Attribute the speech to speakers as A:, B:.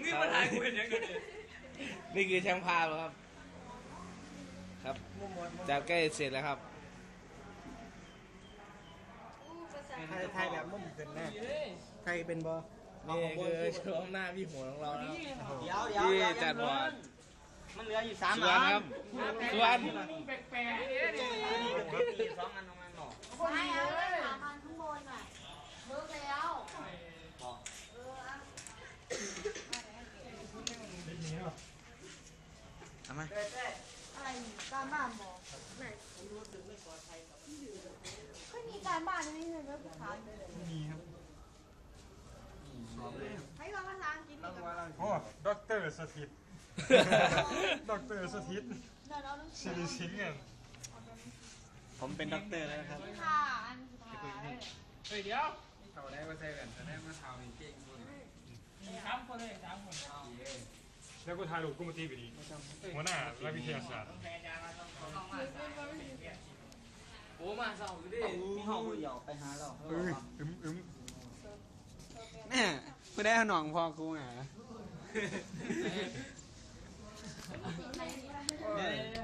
A: พี่มาถ่ายกูเห็นยังไง
B: นี่คือช่างภาพครับครับจับใกล้เสร็จแล้วครับ
C: ไทยแบบมุ่งขึ้นแน่ไทยเป็นบอ
B: นี่คือช่วงหน้าพี่หัวของเรานะ
C: เดี๋ยว
B: ที่จัดบอร์ด
C: มันเหลืออยู่3
B: ส่วนครับส่วน
A: แปลกๆเนี่ย
C: ตี2 อันตรงนั้นหรอ
D: ไม่เอาเลยถามมันข้างบนหน่อยเลิกแล้ว
C: ทำไม
D: อะไรการบ้านบอกไหนก็มีการบ้านไม่ใช่ไหมผู้ชายมีครับให้เราภาษาอังกฤษนี่กับ
E: โอ้ด็อกเตอร์สถิตด็อกเตอร์สถิต
D: เดี๋ยวเราต้อง
E: สิริสิงห์เนี่ย
C: ผมเป็นด็อกเตอร์แล้วครับ
D: ค่ะอันสุดท้าย
A: เฮ้ยเดี๋ยวเขาได้มาใส่แว่นแต่ได้มาเท้านี่เก่งคน3 คนเลย3 คน
E: แล้วกูถ่ายรูปกูมาตีไปดีหัวหน้าและวิทยาศาสตร์
A: โอ้มาเศร้าอยู่ดิ
C: มีห้องกูหยอกไปหาเรา
E: อึม
C: แม่กูได้หน่องพอกูไง